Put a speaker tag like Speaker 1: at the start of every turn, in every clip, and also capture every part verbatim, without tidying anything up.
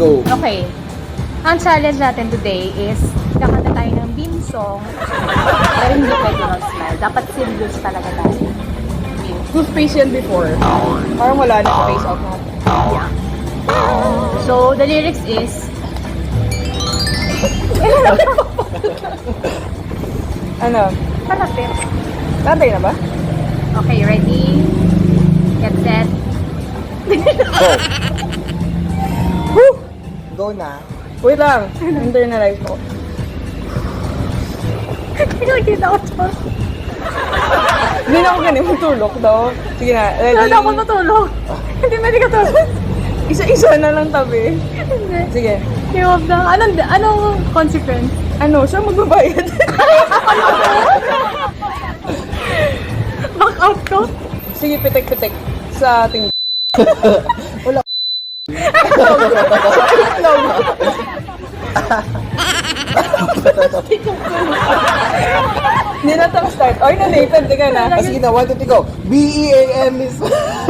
Speaker 1: Go.
Speaker 2: Okay. Ang challenge natin today is kakanta tayo ng Beam song. Pero hindi pwede mag-smile. Dapat serious talaga tayo.
Speaker 3: Toothpaste yan before. Parang wala na face off natin.
Speaker 2: Yeah. So, the lyrics is...
Speaker 3: Ano?
Speaker 2: Palapit.
Speaker 3: Tatay na ba?
Speaker 2: Okay, ready? Get set.
Speaker 1: Go.
Speaker 3: Woo!
Speaker 1: Go na.
Speaker 3: Wait lang. Internalize ko.
Speaker 2: Hindi ko nakita ko to.
Speaker 3: Hindi na ako ganun. Matulog daw. Sige na. Ready?
Speaker 2: Wala ako matulog. Hindi pwede ka tulog.
Speaker 3: Isa-isa na lang tabi.
Speaker 2: Hindi.
Speaker 3: Sige.
Speaker 2: Give up na. Anong, anong consequence?
Speaker 3: Ano? Siya magbabayad.
Speaker 2: Back out ko?
Speaker 3: Sige, pitek-pitek. Sa ating...
Speaker 1: Wala.
Speaker 3: Hindi na tang start. Oy, na Nathan, tika na.
Speaker 1: Ah, sige na, one, two, three, go. B E A M is...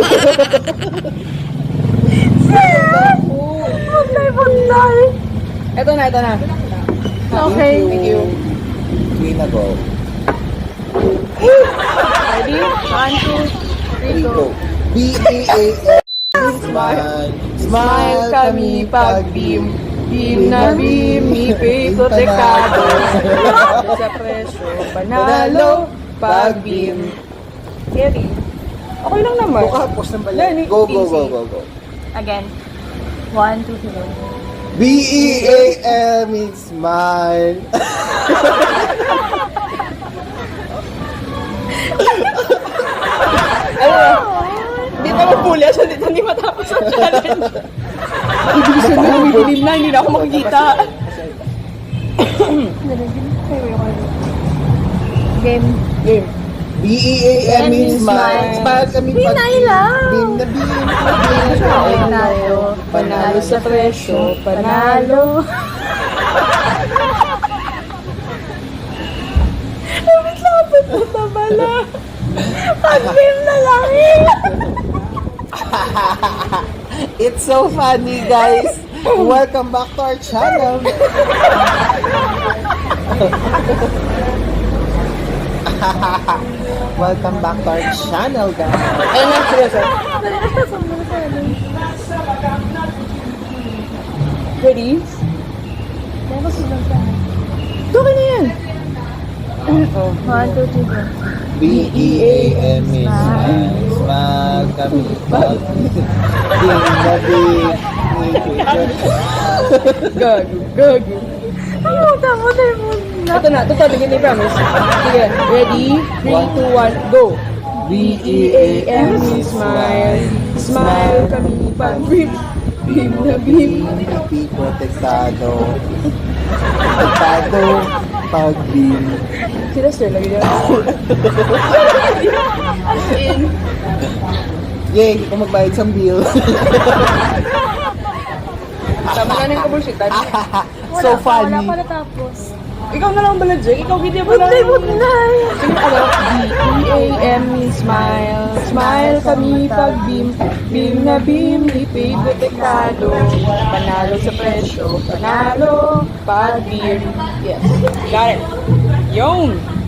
Speaker 2: Bunday, bunday.
Speaker 3: Ito na, ito na.
Speaker 2: Okay.
Speaker 3: Thank you.
Speaker 1: Sige na, go.
Speaker 3: Ready?
Speaker 2: One, two, three,
Speaker 1: Three,
Speaker 2: go.
Speaker 1: go. B E A M Smile.
Speaker 3: Smile kami pag beam. Beam na beam, ipay protekado. Sa presyo, panalo, pag beam. Carry. Okay lang naman.
Speaker 1: Go ka, post ng
Speaker 3: Yan,
Speaker 1: balik. Go, go,
Speaker 3: easy.
Speaker 1: go, go, go.
Speaker 2: Again. One, two, three, go.
Speaker 1: B E A M is smile.
Speaker 3: Hindi pa mapuli siya dito, hindi matapos ang challenge. Ibig sabihin na umidilim na, hindi na ako makikita.
Speaker 2: Game.
Speaker 3: Game.
Speaker 1: B E A M is smile. Smile kami pag...
Speaker 2: Pinay lang.
Speaker 1: Beam na beam.
Speaker 2: Panalo.
Speaker 3: Panalo sa presyo, panalo. Lapit mo na bala.
Speaker 2: Pag-beam na lang eh.
Speaker 1: It's so funny, guys. Welcome back to our channel. Welcome back to our channel, guys.
Speaker 3: Ayun na, seryoso. Ready? Okay na yan.
Speaker 2: One, two, three, go.
Speaker 1: B E A M is smile. Smile kami pag... Beam na beam.
Speaker 3: Gago, gago.
Speaker 2: Ay, puta mo na mo na.
Speaker 3: Ito na, ito to, bigyan ni promise. Sige, ready? three, two, one, go!
Speaker 1: B
Speaker 3: E A M is smile. Smile kami pag beam. Beam na beam.
Speaker 1: Happy protektado. Protektado pag beam.
Speaker 3: Sila sir, lagi niya. As in.
Speaker 1: Yay, hindi ko magbayad sa bill.
Speaker 3: Tama na ng kabulsitan.
Speaker 1: So
Speaker 2: Wala pa, wala
Speaker 1: funny.
Speaker 2: pa natapos.
Speaker 3: Ikaw na lang bala, Jake. Ikaw video mo lang.
Speaker 2: Bunday, bunday.
Speaker 3: Sige, ano? B E A M is smile. Smile kami pag beam. Beam na beam, ipay protektado. Panalo sa presyo. Panalo pag beam. Yes. Got it. Yun.